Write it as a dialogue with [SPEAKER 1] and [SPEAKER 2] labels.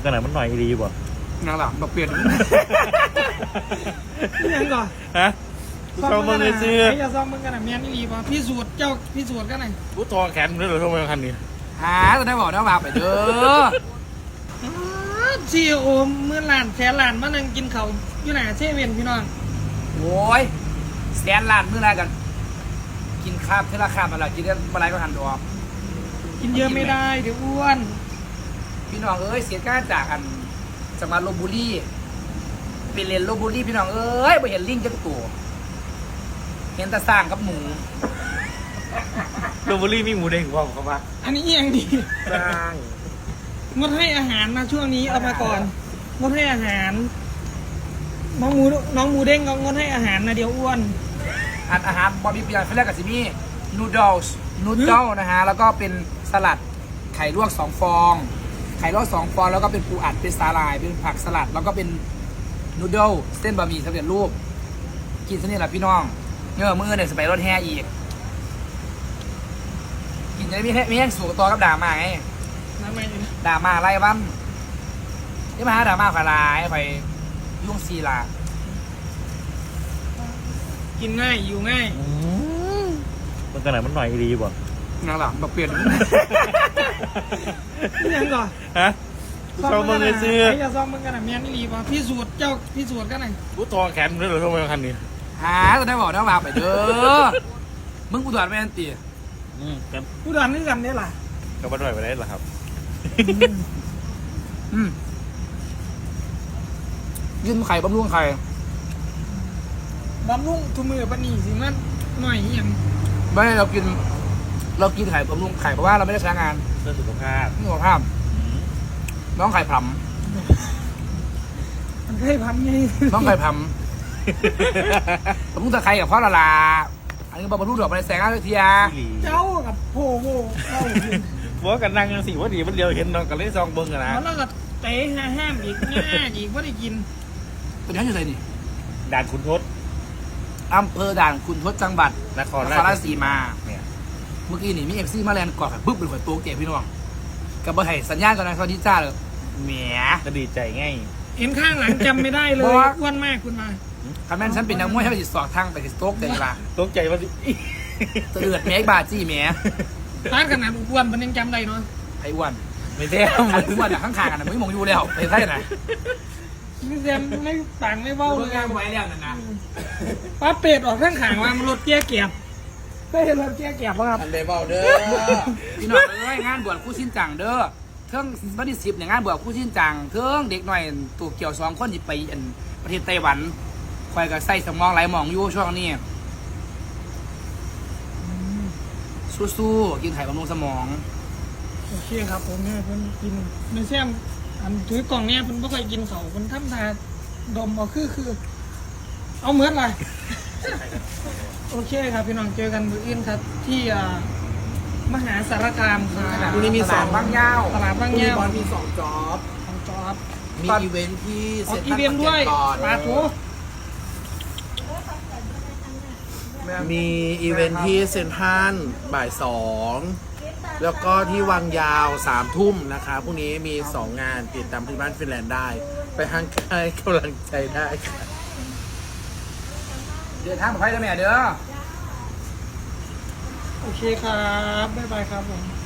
[SPEAKER 1] กันไหนมันหน่อยดีบ่
[SPEAKER 2] นางหลังแบบเปลี่ยน
[SPEAKER 3] ยังก่อน
[SPEAKER 1] ฮะซองมึงเลยซื้อ
[SPEAKER 3] ไอ้จะซองมึงกันนะเมียนี่ดีป่ะพี่สูตรเจ้าพี่สูตรกันไหน
[SPEAKER 1] กูทองแขนเลยเหรอทำไมคันนี้
[SPEAKER 2] หาจะได้บอกได้มาไปเด้อ
[SPEAKER 3] ซีโอมื่อหลานแสนหลานมานั่งกินเขาอยู่ไหนเซเว่นพี่น้อง
[SPEAKER 2] โอ้ยแสนล้านมื้อไรกันกินข้าวเท่าราคามาแล้วกินได้มาไรก็หันตัว
[SPEAKER 3] กินเยอะไม่ได้เดี๋ยวอ้วน
[SPEAKER 2] พี่น้องเอ้ยเสียการจากอันจังหวัดลพบุรีเป็นเรียนลพบุรีพี่น้องเอ้ยไปเห็นลิงจักตัวเห็นแต่สร้างกับหมู
[SPEAKER 1] ลพบุรีมีหมูเด้งว่าเขาปะ
[SPEAKER 3] อันนี้ยังดี
[SPEAKER 1] สร้าง
[SPEAKER 3] งดให้อาหารมาช่วงนี้เอามาก่อนงดให้อาหารน้องหมูเด้งก็งดให้อาหารนะเดี๋ยวอ้วน
[SPEAKER 2] อาหารบอบี้เปียนเขาเรียกกับซิมี่นูดลนะฮะแล้วก็เป็นสลัดไข่ลวก2 ฟองไข่ลวก2 ฟองแล้วก็เป็นปูอัดเป็นสาหร่ายเป็นผักสลัดแล้วก็เป็นนูดลเส้นบะหมี่สำเร็จรูปกินซะนี่แหละพี่น้องมื้อเนี่ยสไปรถแห่อีกกินจะได้มีแห้งสูงตัวกับด่ามาไงด่ามาไล่บ้านนี่มาหาด่ามาขลายไปยุ่งซีลา
[SPEAKER 3] กินง่ายอยู่ง่าย
[SPEAKER 1] มันกันไหนมันหน่อยดีบ่
[SPEAKER 2] นางหลังแบบเปลี่ยน
[SPEAKER 3] ยังก่อน
[SPEAKER 1] ฮะซองมึงเลยซื้อ
[SPEAKER 3] ไอ้จะซองมึงกันนะเมียนี่ดีป่ะพี่สูตรเจ้าพี่สูตรกันไหน
[SPEAKER 1] กูทองแขนเลยเหรอทำไมคันนี้
[SPEAKER 2] หาจะได้บอกได้มาไปเด้อมึงกูถอดไม่ทันตี
[SPEAKER 3] กูถอดนี่กันได้ล่ะ
[SPEAKER 1] ก็มาด้วยไปได้หรอครับ
[SPEAKER 2] ยื่นไข่บำรุงไข่
[SPEAKER 3] บำรุงทุมือปนีสิมันหน่อยอย่าง
[SPEAKER 2] ไม่เรากินไข่บำรุงไข่เพราะว่าเราไม่ได้ใช้งาน
[SPEAKER 1] เพื่อสุขภาพ
[SPEAKER 2] น้องไข่พรำ
[SPEAKER 3] มันไข่พัมไง
[SPEAKER 2] น้องไข่พรำบำรุงตะไคร้กับพ่อละลาอันนี้บำรุงดอกไม้แสงอาทิตย์
[SPEAKER 3] เจ้ากับโผล่เข้า
[SPEAKER 1] ว่ากันนั่งสิว่าดีว่าเดียวเห็นน้องกันเล่นซองเบิ้งกันนะ
[SPEAKER 3] แล้วก็เตะห้ามอีกง่ายอีกว่าได้กิน
[SPEAKER 2] เป็นยังไงอยู่ไหนนี่
[SPEAKER 1] ด่านขุนทด
[SPEAKER 2] อำเภอด่านขุนทดจังหวัด
[SPEAKER 1] นครราชสีมาเนี่ย
[SPEAKER 2] เมื่อกี้นี่มีเอฟซีมาแลนด์กอดแบบบึ้บเป็นหัวโตเก๋พี่น้องกับบอไห่สัญญาณกันนะสวัสดีจ้าเลยแหม
[SPEAKER 1] ก็ดีใจง่าย
[SPEAKER 3] เห็นข้างหลังจำไม่ได้เลยอ้วนมากคุณมา
[SPEAKER 2] คำนั้นฉันเป็นนักมวยให้ไปติดสอบทางไปติดโต๊ะเดี๋ยวละ
[SPEAKER 1] โต๊ะใจว่า
[SPEAKER 2] เตือดแม่บาจี้แม่
[SPEAKER 3] ร้านขนาดอ้วนมันยังจำได้เนาะ
[SPEAKER 2] ไอ้อ้วน
[SPEAKER 1] ไม่ใช่
[SPEAKER 2] อ้วนข้างๆกันนะไม่มองอยู่แล้วไปใช่ไหม
[SPEAKER 3] ไม่เต็มไม่ต่างไม่เบ้าเลย
[SPEAKER 2] ไว้แล้วนั่นนะ
[SPEAKER 3] ป้าเป็ดออกข้างขางว่ามันรถเกี้ยเกียบได้เห็นรถเกี้ยเกียบป่ะครับ
[SPEAKER 2] อันเดบอลเด้อพี่น้องเอ้ยงานบวชคู่ชิ้นจังเด้อเทิงวันที่10เนี่ยงานบวชคู่ชิ้นจังเทิงเด็กหน่อยตัวเกี่ยว2 คนที่ไปประเทศไต้หวันคอยกับใส่สมองไหลมองอยู่ช่วงนี้สู้ๆกินไข่บำรุงสมอง
[SPEAKER 3] โอเคครับผมเนี่ยเพิ่นกินในแซมอันถือกล่องเนี่ยเพิ่นไม่เคยกินเขาเพิ่นทำทาดมเอาคือเอาเหมือนอะไรโอเคครับพี่น้องเจอกันมื้ออื่นครับที่มหาสารคามครับ
[SPEAKER 2] วันนี้มี2 บ้างยาว
[SPEAKER 3] ตลาดบ้างยาว
[SPEAKER 2] มี2 จ็อบมีอีเวนท์ที่
[SPEAKER 3] เซ็นทรัลด้วยปาโถ
[SPEAKER 4] มีอีเวนท์ที่เซ็นทรัลบ่าย 2แล้วก็ที่วังยาว3 ทุ่มนะคะพรุ่งนี้มี2 งานติดตามที่บ้านฟินแลนด์ได้ไปให้กำลังใจได้ค่ะ
[SPEAKER 2] เดินทางปลอดภัยนะแม่เด้อ
[SPEAKER 3] โอเคครับบ๊ายบายครับผม